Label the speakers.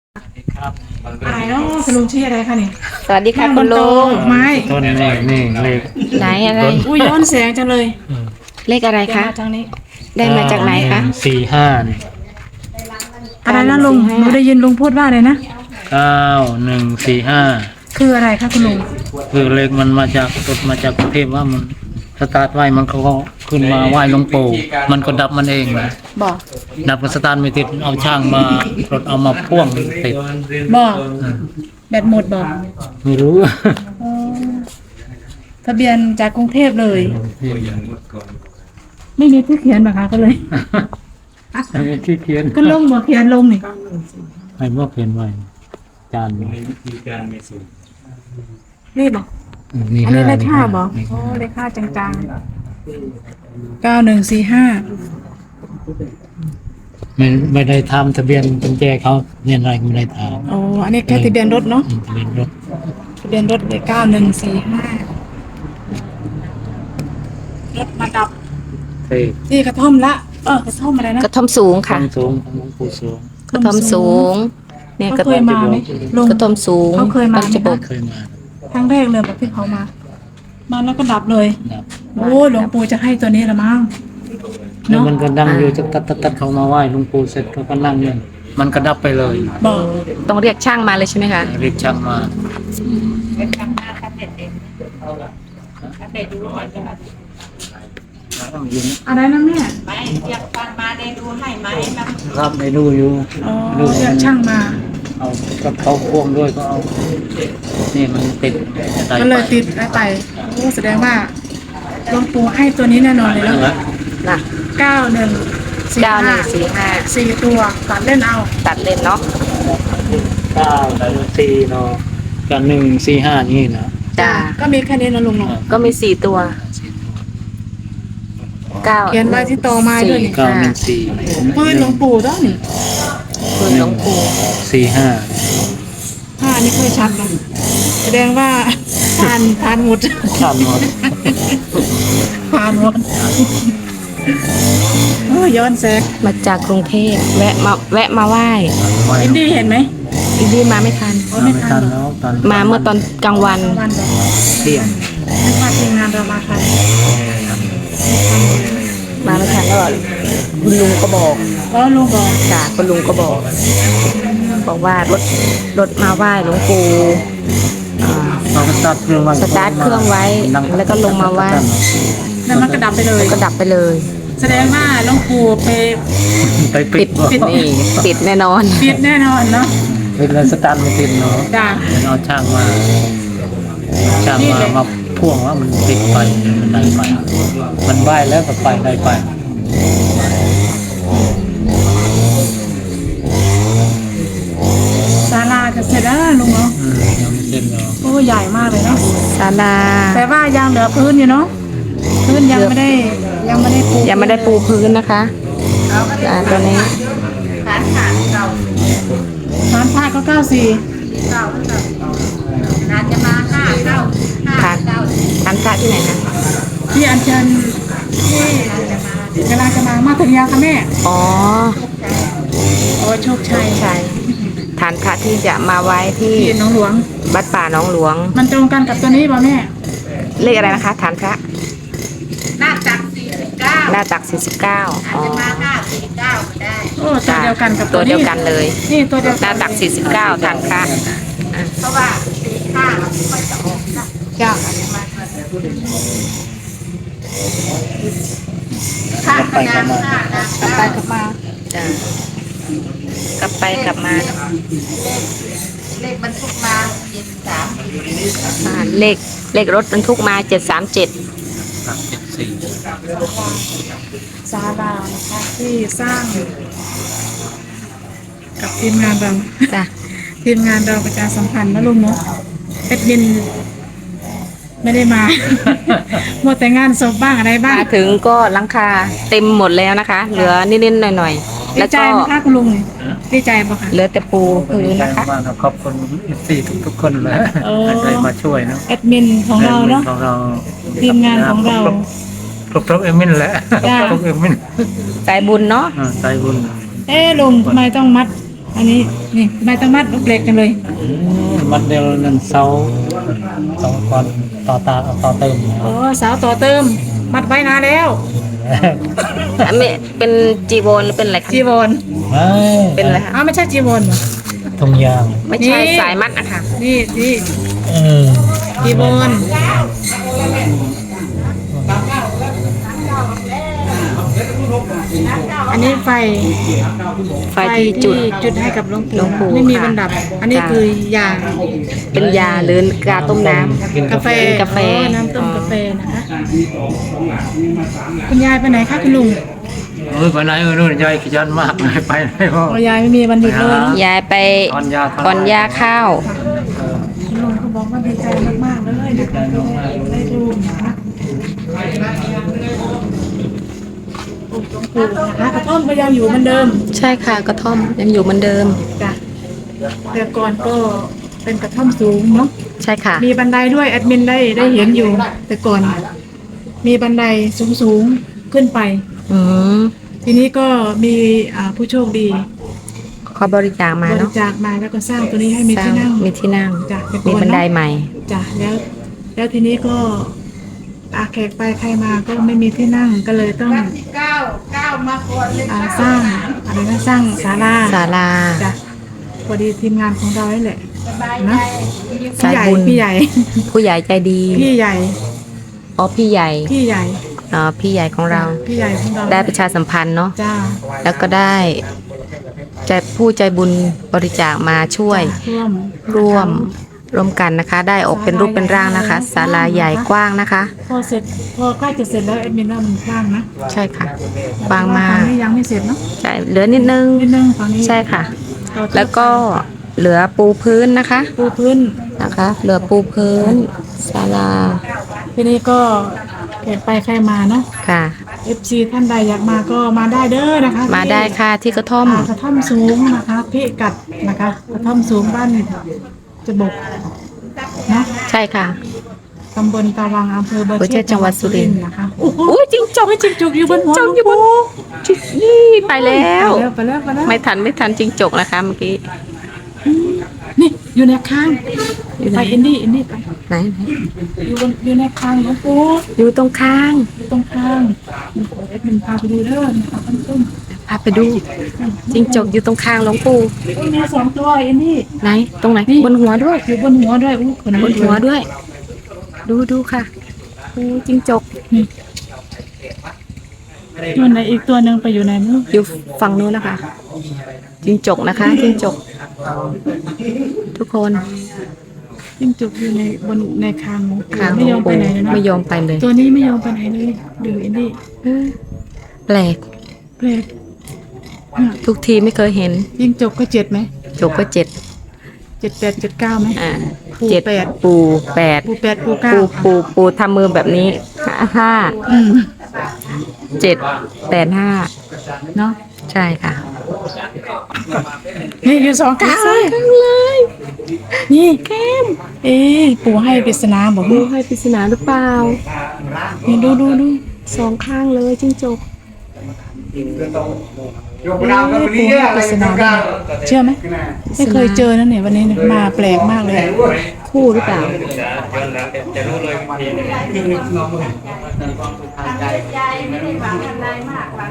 Speaker 1: ครับ
Speaker 2: อะไรเนาะคุณลุงชื่ออะไรคะนี่
Speaker 3: สวัสดีค่ะ
Speaker 2: นั่งบ
Speaker 3: คุ
Speaker 2: น
Speaker 3: ณลุ
Speaker 2: โต๊ะ
Speaker 3: ง
Speaker 2: ไม้
Speaker 1: ต้นนี่เลข
Speaker 3: ไหนอะไร
Speaker 2: อุ้ยย้อนแสงจังเลย
Speaker 3: เลขอะไร
Speaker 2: เดี๋ยว
Speaker 3: คะ
Speaker 2: มาทางนี้
Speaker 3: ได้มาจากไหนคะ
Speaker 1: 145นี่
Speaker 2: อะไรนะลุงหนูได้ยินลุงพูดว่าอะไรนะ
Speaker 1: 9145
Speaker 2: คืออะไรคะคุณลุง
Speaker 1: คือเลขมันมาจากตดมาจากกรุงเทพว่ามันสตาร์ทไว้มันเขาก็ขึ้นมาไหว้หลวงปู่มันก็ดับมันเองนะ
Speaker 2: บอก
Speaker 1: ดับกับสตาร์ทไม่ติดเอาช่างมารถเอามาพ่วงติด
Speaker 2: บอกแบตหมดบอก
Speaker 1: ไม่รู้
Speaker 2: อ๋อทะเบียนจากกรุงเทพเลย ไม่มีที่เขียนหรอคะก็เลย
Speaker 1: ไม่ที่เขียน
Speaker 2: ก็ลงบอกเขียนลงนี่
Speaker 1: ให้บอกเขียนไว้จาน
Speaker 2: นี่บอก
Speaker 1: นี่
Speaker 2: อันนี้เลขห้า
Speaker 1: นี่
Speaker 2: บอก
Speaker 1: นี่
Speaker 2: โอ้เลขห้าจังๆ9145
Speaker 1: ไม่ได้ทำทะเบียนกุญแจเขาเนี่ยอะไรก็ไม่ได้ทำ
Speaker 2: โอ้อันนี้แค่ทะเบียนรถเนาะ
Speaker 1: ทะเบียนรถ
Speaker 2: ทะเบียนรถเลย9145รถมาดับ
Speaker 1: เท่
Speaker 2: ที่กระท่อมละกระท่อมอะไรนะ
Speaker 3: กระท่อมสูงค่ะ
Speaker 1: ทางสูงของหลวงปู่สูง
Speaker 3: กระท่อมสูง เนี่ยกระ
Speaker 2: เขาเค
Speaker 3: ท่อย ม
Speaker 2: มาไหมลุง
Speaker 3: กระท่อมสูง
Speaker 2: เขาเคยมา
Speaker 3: ต้นจะบก
Speaker 1: เคยมา
Speaker 2: ครั้งแรกเลยแบบที่เขามาแล้วก็ดับเลย
Speaker 1: ครับ
Speaker 2: โอ้หลวงปู่จะให้ตัวนี้ละมั้ง
Speaker 1: แล้วมันก็นั่งอยู่จะตัดเขามาไหว้หลวงปู่เสร็จเขาก็นั่งเนี่ยมันก็ดับไปเลย
Speaker 2: บอก
Speaker 3: ต้องเรียกช่างมาเลยใช่ไหมคะ
Speaker 1: เรียกช่างมา
Speaker 2: อะไรนะแม่
Speaker 1: ครับไม่ดูอยู่
Speaker 2: อ๋อเรียกช่างมา
Speaker 1: เอากับเขาพ่วงด้วยก็เอานี่มันติดได้
Speaker 2: ก็เลยติดไปโอ้แสดงว่าหลวงปู่ให้ตัวนี้แน่นอนเลยแล้ว
Speaker 3: น่ะ
Speaker 2: 9145
Speaker 3: 9145
Speaker 2: 4ตัวตัดเล่นเอา
Speaker 3: ตัดเลนเนาะ
Speaker 1: 9 4เนาะกับ145นี่นะ
Speaker 3: จ้า
Speaker 2: ก็มีแค่นี้นะลุงเนาะ
Speaker 3: ก็มี4ตัว9
Speaker 2: เขียนไว้ที่ตอไม้ด้วยนี่
Speaker 1: 914
Speaker 2: ปืนหลวงปู่ต้องนี่
Speaker 3: ปืนหลวงปู่
Speaker 1: 45
Speaker 2: ผ้านี่ค่อยชัดนะแสดงว่าผ่านหมด
Speaker 1: ข้ามหมด
Speaker 2: ผ่านหมดโอ้ย้อนแสง
Speaker 3: มาจากกรุงเทพแวะมาไหว้
Speaker 2: อินดี้เห็นไหม
Speaker 3: อีดีมาไม่ทัน
Speaker 2: โอ้ไม่ทันเหรอ
Speaker 1: แล้วตอน
Speaker 3: มาเมื่อตอนกลางวัน
Speaker 2: วันบอก
Speaker 1: เที่ยง
Speaker 2: ไม่ว่าทีมงานเรามาทัน
Speaker 3: มาไม่ทันก็คุณลุงก็บอก
Speaker 2: แล้วลุงบอก
Speaker 3: จ้ะคุณลุงก็บอกว่ารถมาไหว้หลวงปู่อ่า
Speaker 1: เราก็สตาร์ทเครื่องไว้
Speaker 3: สตาร์ทเครื่องไว้แล้วก็ลงมาไหว้
Speaker 2: แล้วมันก็ดับไปเลย
Speaker 3: ก็ดับไปเลย
Speaker 2: แสดงว่าหลวงปู่ไป
Speaker 1: ไปปิ
Speaker 3: ปิ
Speaker 1: ด
Speaker 3: ดนี่ปิดแน่นอน
Speaker 2: ปิดแน่นอนเนาะ
Speaker 1: ปิดแล้วสตาร์ทไม่ติดเนาะ
Speaker 2: จ้า
Speaker 1: เอาช่างมามาพ่วงว่ามันติดไปมันได้ไป มันไหวแล้วก็ไปได้ไป
Speaker 2: ศาลาจะเสร็จแล้วนะลุงเนาะ
Speaker 1: ยังไม่เสร็จเนาะ
Speaker 2: โอ้ใหญ่มากเลยเนาะ
Speaker 3: ศาลา
Speaker 2: แต่ว่ายังเหลือพื้นอยู่เนาะพื้นยังไม่ได้ปู
Speaker 3: ยังไม่ได้ปูพื้นนะคะตัวนี้
Speaker 2: ฐานผ้าก็94
Speaker 3: ทานทานพระที่ไหนนะ
Speaker 2: ที่อัญเชิญที่เวลาจะมาถึงยังคะแม่
Speaker 3: อ๋อ
Speaker 2: โอ้โชคชัย
Speaker 3: ใช่ทานพระที่จะมาไว้ที่
Speaker 2: ที่หน้องหลวง
Speaker 3: วัดป่าหนองหลวง
Speaker 2: มันตรงกันกับตัวนี้ป่ะแม่
Speaker 3: เลขอะไรนะคะฐานพระ
Speaker 4: หน้าตัก49
Speaker 3: หน้าตัก49อ๋อ
Speaker 4: มา549ก็ได้
Speaker 2: โอ้ตัวเดียวกันกับ
Speaker 3: ตัวเดียวกันเลย
Speaker 2: นี่ตัวเดียว
Speaker 3: หน้าตัก49ฐานพระ
Speaker 4: เพราะว่า45มันไม่จะออกนะ
Speaker 2: จ้า
Speaker 4: ข้างกระดานหน้านะ
Speaker 2: กลับไปกลับมา
Speaker 3: จ้ะกลับไปกลับมา
Speaker 4: เลขบรรทุกมา73
Speaker 3: เลขรถบรรทุกมา737
Speaker 1: 374
Speaker 2: ศาลานะคะที่สร้างกับทีมงานเรา
Speaker 3: จ้ะ
Speaker 2: ทีมงานเราประชาสัมพันธ์นะลุงเนาะเอ็ดบินไม่ได้มา หมดแต่งานศพบ้างอะไรบ้าง
Speaker 3: มาถึงก็หลังคาเต็มหมดแล้วนะคะ เหลือนิดๆหน่อยๆ
Speaker 2: ดี
Speaker 3: แล้ว
Speaker 2: ใจ
Speaker 3: ก็
Speaker 2: ไหมคะคุณลุงดีใจปะคะ
Speaker 3: เหลือแต่ปูพื้น
Speaker 1: ใจ
Speaker 3: นะคะ
Speaker 1: มากครับขอบคุณสี่ทุกคนเลยได้มาช่วยเนาะ
Speaker 2: แอดมินของเราเนาะ
Speaker 1: ของเรา
Speaker 2: ทีมงานของเรา
Speaker 1: ครบเอมินแหละ
Speaker 2: จ้า
Speaker 1: ครบเอมิน
Speaker 3: ใจบุญเนาะ
Speaker 1: ใจบุญ
Speaker 2: ลุงทำไมต้องมัดอันนี้นี่ใบตะมัดลูกเล็กกันเลย
Speaker 1: มันเดียวนั่นเสาก่อนต่อเติม
Speaker 2: โอ้สาวต่อเติมมัดไว้นานแล้ว
Speaker 3: อันนี้เป็นจีวรหรือเป็นอะไรคะ
Speaker 2: จีวร
Speaker 1: ไม่
Speaker 3: เป็นอะไรคะ
Speaker 2: อ้าวไม่ใช่จีวรเหรอ
Speaker 1: ทงยาง
Speaker 3: ไม่ใช่
Speaker 2: นี่
Speaker 3: สายมัดอะค่ะ
Speaker 2: นี่
Speaker 1: เออ
Speaker 2: จีวรอันนี้ไฟ
Speaker 3: ไฟที่จุด
Speaker 2: จุดให้กับหลวง
Speaker 3: หลวงปู่
Speaker 2: ปู่ไม่มี
Speaker 3: ค่ะ
Speaker 2: บรรดับ อันนี้
Speaker 3: ค่ะ
Speaker 2: คือยา
Speaker 3: เป็นยาหรือกาต้มน้ำ
Speaker 2: กาแฟ
Speaker 3: เป็นกาแฟ
Speaker 2: อ๋อน้ำต้มกาแฟนะคะคุณยายไปไหนคะคุณลุง
Speaker 1: ไปไหนนู่นยายขยันมากเลยไปไหนพ่อ
Speaker 2: อ๋อยายไม่มีวันหยุดเลยเนาะ
Speaker 3: ยายไป
Speaker 1: ตอนยา
Speaker 3: ก่อนยาข้าว
Speaker 2: คุณลุงเขาบอกว่าดีใจมากๆเลยนะคะได้ดูนะคะหลวงปู่นะคะกระท่อมก็ยังอยู่เหมือนเดิม
Speaker 3: ใช่ค่ะกระท่อมยังอยู่เหมือนเดิม
Speaker 2: จ้ะแต่ก่อนก็เป็นกระท่อมสูงเนาะ
Speaker 3: ใช่ค่ะ
Speaker 2: มีบันไดด้วยแอดมินได้เห็นอยู่ แต่ก่อนมีบันไดสูงๆขึ้นไป
Speaker 3: อืม
Speaker 2: ทีนี้ก็มีผู้โชคดี
Speaker 3: เขาบริจาคมา
Speaker 2: บริ
Speaker 3: เนาะ
Speaker 2: จาคมาแล้วก็สร้างตัวนี้ให้มี
Speaker 3: สร้า
Speaker 2: ที่
Speaker 3: ง
Speaker 2: นั่ง
Speaker 3: มีที่นั่ง
Speaker 2: จ้ะแต่ก่
Speaker 3: มี
Speaker 2: อน
Speaker 3: บันได
Speaker 2: เนาะ
Speaker 3: ใหม่
Speaker 2: จ้ะแล้วทีนี้ก็แขกไปใครมาก็ไม่มีที่นั่งก็เลยต้อง
Speaker 4: 9มาก่อนเลย
Speaker 2: สร้างอะไรนะสร้างศาลา
Speaker 3: ศาลา
Speaker 2: จ้ะพอดีทีมงานของเรานี่แหละ
Speaker 4: สบายใจ
Speaker 2: นะ
Speaker 3: สายบุญ
Speaker 2: พี่ใหญ่
Speaker 3: ผู้ใหญ่ใจดี
Speaker 2: พี่ใหญ่
Speaker 3: อ๋อพี่ใหญ่
Speaker 2: พี่ใหญ่
Speaker 3: พี่ใหญ่ของเรา
Speaker 2: พี่ใหญ่ของเรา
Speaker 3: ได้ประชาสัมพันธ์เนาะ
Speaker 2: จ้า
Speaker 3: แล้วก็ได้ใจผู้ใจบุญบริจาคมาช่วย ร่วมกันนะคะ ได้ออกเป็นรูปเป็นร่างนะคะศาลาใหญ่กว้างนะคะ
Speaker 2: พอใกล้จะเสร็จแล้วแอดมินว่ามันกว้างนะ
Speaker 3: ใช่ค่ะกว้างมา
Speaker 2: ฝั่
Speaker 3: ก
Speaker 2: งนี้ยังไม่เสร็จเนาะ
Speaker 3: ใช่เหลือนิดนึง
Speaker 2: นิดนึงฝั่งนี้
Speaker 3: ใช่ค่ะ
Speaker 2: ต่อเติม
Speaker 3: แล้วก็เหลือปูพื้นนะคะ
Speaker 2: ปูพื้น
Speaker 3: นะคะ เหลือปูพื้นศาลา
Speaker 2: ทีนี้ก็แขกไปใครมาเนาะ
Speaker 3: ค่ะ
Speaker 2: FC ท่านใดอยากมาก็มาได้เด้อนะคะ
Speaker 3: มาได้ค่ะที่กระท่อม
Speaker 2: กระท่อมสูงนะคะพิกัดนะคะกระท่อมสูงบ้านจะบกเนาะ
Speaker 3: ใช่ค่ะ
Speaker 2: ตำบลตาวังอำเภอเบอร์
Speaker 3: เบอร์เชษจังหวัดสุรินทร์
Speaker 2: นะคะโอ้โห
Speaker 3: อุ้ยจริงจก
Speaker 2: ไม่จิกจุกอยู่บนหัว
Speaker 3: จกอยู่บนนี่ไปแล้ว
Speaker 2: ไปแล้ว
Speaker 3: ไม่ทันจริงจกนะคะเมื่อกี้
Speaker 2: นี่อยู่ในข้าง
Speaker 3: อยู่ไหน
Speaker 2: ไปอินดี้ไป
Speaker 3: ไหน
Speaker 2: อยู่ในข้างหลวงปู่
Speaker 3: อยู่ตรงข้าง
Speaker 2: อยู่ตรงข้างเอ็ดมินพาไปดูเด้อนะคะท่านผู้ชม
Speaker 3: พาไปดูจริงจกอยู่ตรงข้างหลวงปู่
Speaker 2: โอ้ยมี2 ตัวอินดี้
Speaker 3: ไหนตรงไหนบนหัวด้วย
Speaker 2: อยู่บนหัวด้วยอู้คน
Speaker 3: บนหัวด้วย ดูค่ะดูจริงจก
Speaker 2: ตัวไหนอีกตัวหนึ่งไปอยู่ไหนไม่รู้
Speaker 3: อยู่ฝั่งนู้นนะคะจริงจกนะคะจริงจก ทุกคน
Speaker 2: จิ้งจกอยู่ในคางหลวงปู่
Speaker 3: ข้าง
Speaker 2: ไม่ยอมไปไหนเลยนะ
Speaker 3: ไม่ยอมไปเลย
Speaker 2: ตัวนี้ไม่ยอมไปไหนเลยดูอินดี้
Speaker 3: แปลก
Speaker 2: แปลกเนี่ย
Speaker 3: ทุกทีไม่เคยเห็น
Speaker 2: จิ้งจกก็7ไหม
Speaker 3: จกก็7
Speaker 2: 7 8 7 9ไหม ปู
Speaker 3: 7
Speaker 2: 8
Speaker 3: ปู8
Speaker 2: ปู8ปู9
Speaker 3: ปูทำมือแบบนี้ห้า
Speaker 2: อืม
Speaker 3: 7 8 5
Speaker 2: เนาะ
Speaker 3: ใช่ค่ะ
Speaker 2: นี่อยู่2 ข้างเลยนี่แก้มปู่ให้ปริศนาบอก
Speaker 3: ดู
Speaker 2: ว่า
Speaker 3: ให้ปริศนาหรือเปล่า
Speaker 2: นี่ดู
Speaker 3: 2 ข้างเลยจิ้งจก
Speaker 2: ปู่ให้ปริศนาด้วยเชื่อไหมไม่เคยเจอนะเนี่ยวันนี้เนี่ยมาแปลกมากเลย
Speaker 3: คู่หรือเปล่า
Speaker 4: ทำใจไม่ได้หวังอะไรมากหวัง